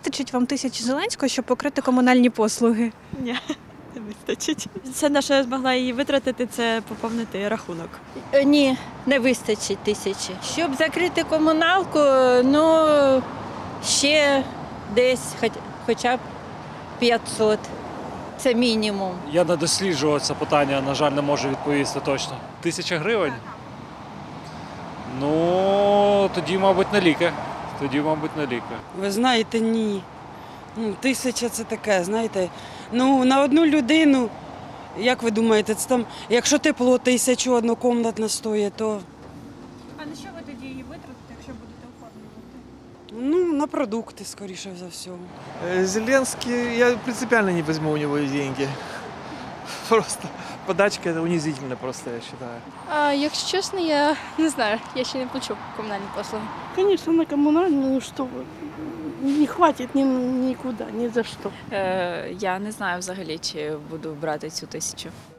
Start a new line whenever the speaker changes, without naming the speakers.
вистачить вам 1000 Зеленського, щоб покрити комунальні послуги?
Ні, не вистачить. Все, на що я змогла її витратити, це поповнити рахунок.
Ні, не вистачить 1000. Щоб закрити комуналку, ну, ще десь хоча б 500. Це мінімум.
Я не досліджував це питання, на жаль, не можу відповісти точно. 1000 гривень? Ну, тоді, мабуть, на ліки.
Ви знаєте, ні. 1000 – це таке, знаєте. Ну, на одну людину, як ви думаєте, це там, якщо тепло 1000 однокомнатна стоїть, то
А на що ви тоді її витратите, якщо будете оформлювати?
ну, на продукти, скоріше за всього.
Зеленский, я принципиально не возьму у него деньги. Просто подачка это унизительно просто, я считаю.
Якщо чесно, я не знаю, я ще не плачу комунальні послуги.
Конечно, на коммунальную, ну что вы, не хватит никуда, ни за что.
Я не знаю взагалі, чи буду брати цю 1000.